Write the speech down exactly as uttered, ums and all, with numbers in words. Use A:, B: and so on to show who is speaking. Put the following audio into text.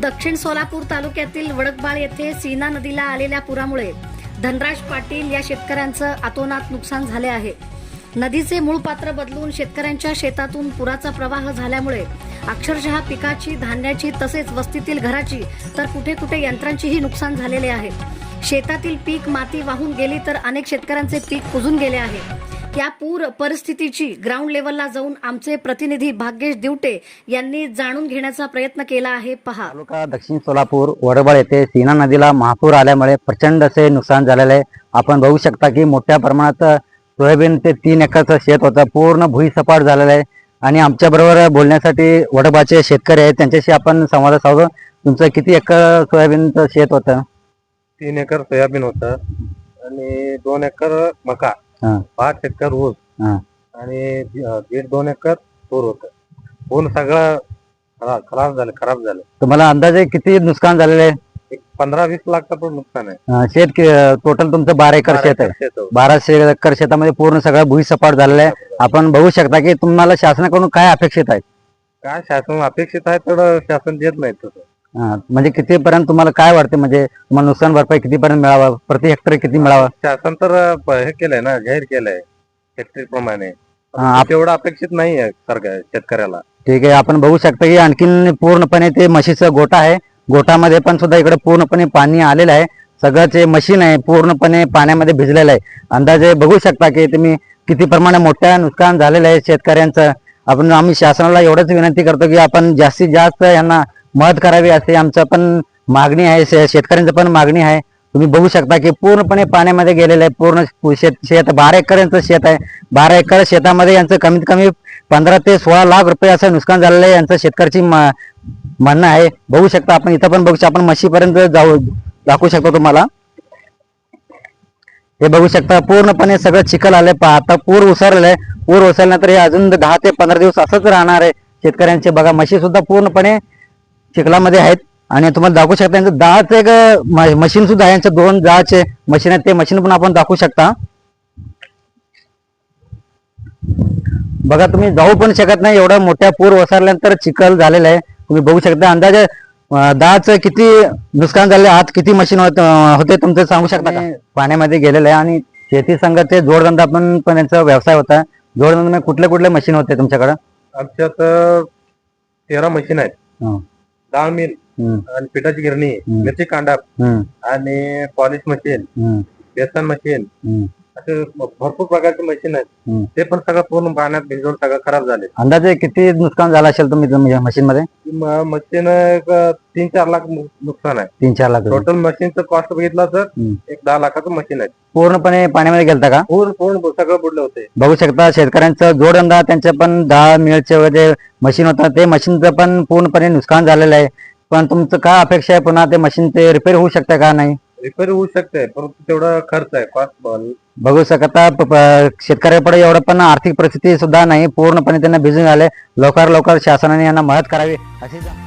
A: दक्षिण सोलापूर तालुक्यातील वडकबाळ येथे सीना नदीला आलेल्या पुरामुळे धनराज पाटील या शेतकऱ्यांचं अतोनात नुकसान झाले आहे। नदीचे मूळ पात्र बदलून शेतकऱ्यांच्या शेतातून पुराचा प्रवाह झाल्यामुळे अक्षरशः पिकाची, धान्याची तसेच वस्तीतील घराची तर कुठे कुठे यंत्रांचीही नुकसान झालेले आहे। शेतातील पीक माती वाहून गेली तर अनेक शेतकऱ्यांचे पीक कुजून गेले आहे। या पूर परिस्थितीची ग्राउंड लेवलला जाऊन आमचे प्रतिनिधी भाग्येश दिवटे यांनी जाणून घेण्याचा प्रयत्न केला आहे। पहा।
B: तालुका दक्षिण सोलापूर वडबळ येथे सीना नदीला महापूर आल्यामुळे प्रचंड असे नुकसान झालेले आहे। आपण बघू शकता की मोठ्या प्रमाणात सोयाबीन ते तीन एकरचं शेत होतं, पूर्ण भुईसपाट झालेलं आहे। आणि आमच्या बरोबर बोलण्यासाठी वडबाचे शेतकरी आहेत, त्यांच्याशी आपण संवाद साधू। तुमचं किती एकर सोयाबीनचं शेत होतं?
C: तीन एकर सोयाबीन होतं आणि दोन एकर मका, पाच एकर ऊस आणि दीड दोन एकर तूर होतं। पूर्ण सगळं खराब झालं खराब झालं
B: तुम्हाला अंदाजे किती नुकसान झालेलं आहे?
C: एक पंधरा वीस लाखचं पण नुकसान आहे।
B: शेत टोटल तुमचं बारा एकर शेत आहे। बाराशे एकर शेतामध्ये पूर्ण सगळं भुईसपाट झालेलं आहे। आपण बघू शकता की तुम्हाला शासनाकडून काय अपेक्षित आहे?
C: काय शासन अपेक्षित आहे तेवढं शासन देत नाही तसं।
B: म्हणजे कितीपर्यंत तुम्हाला काय वाटते, म्हणजे तुम्हाला नुकसान भरपाई कितीपर्यंत मिळावा, प्रति हेक्टर किती मिळावा?
C: शासन तर हे केलंय ना, जाहीर केलंय हेक्टरी प्रमाणे, तेवढं अपेक्षित नाही आहे सरकार शेतकऱ्याला।
B: ठीक आहे, आपण बघू शकता की आणखीन पूर्णपणे ते म्हशीचं गोठा आहे, गोठामध्ये पण सुद्धा इकडे पूर्णपणे पाणी आलेलं आहे। सगळं जे मशीन आहे पूर्णपणे पाण्यामध्ये भिजलेलं आहे। अंदाजे बघू शकता की तुम्ही किती प्रमाणे मोठ्या नुकसान झालेलं आहे शेतकऱ्यांचं। आपण आम्ही शासनाला एवढंच विनंती करतो की आपण जास्तीत जास्त यांना मदत करावी असे आमचं पण मागणी आहे, शेतकऱ्यांचं पण मागणी आहे। तुम्ही बघू शकता की पूर्णपणे पाण्यामध्ये गेलेलं आहे पूर्ण शेत शेत बारा एकर यांचं शेत आहे। बारा एकर शेतामध्ये यांचं कमीत कमी पंधरा ते सोळा लाख रुपये असं नुकसान झालेलं आहे, यांचं शेतकऱ्याची म्हणणं आहे। बघू शकता आपण इथं पण बघू शकता, आपण म्हशीपर्यंत जाऊ दाखवू शकतो तुम्हाला। हे बघू शकता पूर्णपणे सगळं चिखल आलंय। आता पूर ओसरलेलं आहे, पूर ओसरल्यानंतर हे अजून दहा ते पंधरा दिवस असंच राहणार आहे शेतकऱ्यांचे। बघा म्हशी सुद्धा पूर्णपणे चिखलामध्ये आहेत आणि तुम्हाला दाखवू शकता यांचं दहाच एक मशीन सुद्धा आहे, यांचं दोन दहाचे मशीन आहेत, ते मशीन पण आपण दाखवू शकता। बघा तुम्ही जाऊ पण शकत नाही, एवढा मोठ्या पूर ओसरल्यानंतर चिखल झालेला आहे। तुम्ही बघू शकता अंदाजे दहाच किती नुकसान झाले, आज किती मशीन होते तुमचं सांगू शकता का? पाण्यामध्ये गेलेलं आहे आणि शेती संघाचे जोडधंदा पण पण यांचा व्यवसाय होता। जोडधंदा कुठले कुठले मशीन होते तुमच्याकडे?
C: आमच्यात तेरा मशीन आहेत, डाळ मिल आणि पिठाची गिरणी, मिरची कांडप आणि पॉलिश मशीन, बेसन मशीन, असे भरपूर प्रकारचे मशीन आहेत। ते पण सगळं पूर्ण पाण्यात भिजवून सगळं खराब झाले।
B: अंदाजे किती नुकसान झालं असेल तुम्ही मशीन मध्ये?
C: मशीन तीन चार लाख नुकसान आहे।
B: तीन चार लाख
C: टोटल मशीनचं कॉस्ट बघितलं तर एक दहा लाखाचं मशीन आहे।
B: पूर्णपणे पाण्यामध्ये गेलता का?
C: पूर्ण पूर्ण सगळं बुडले होते।
B: बघू शकता शेतकऱ्यांचं जोडधंदा, त्यांचे पण दहा मिळचे वगैरे मशीन होतं, ते मशीनचं पण पूर्णपणे नुकसान झालेलं आहे। पण तुमचं काय अपेक्षा आहे, पुन्हा ते मशीन ते रिपेअर होऊ शकते का? नाही
C: रिपेअर होऊ शकते, परंतु तेवढा खर्च आहे, कॉस्ट।
B: बघू शकता शेतकऱ्याकडे एवढं पण आर्थिक परिस्थिती सुद्धा नाही, पूर्णपणे त्यांना भिजून आले। लवकर लवकर शासनाने यांना मदत करावी अशी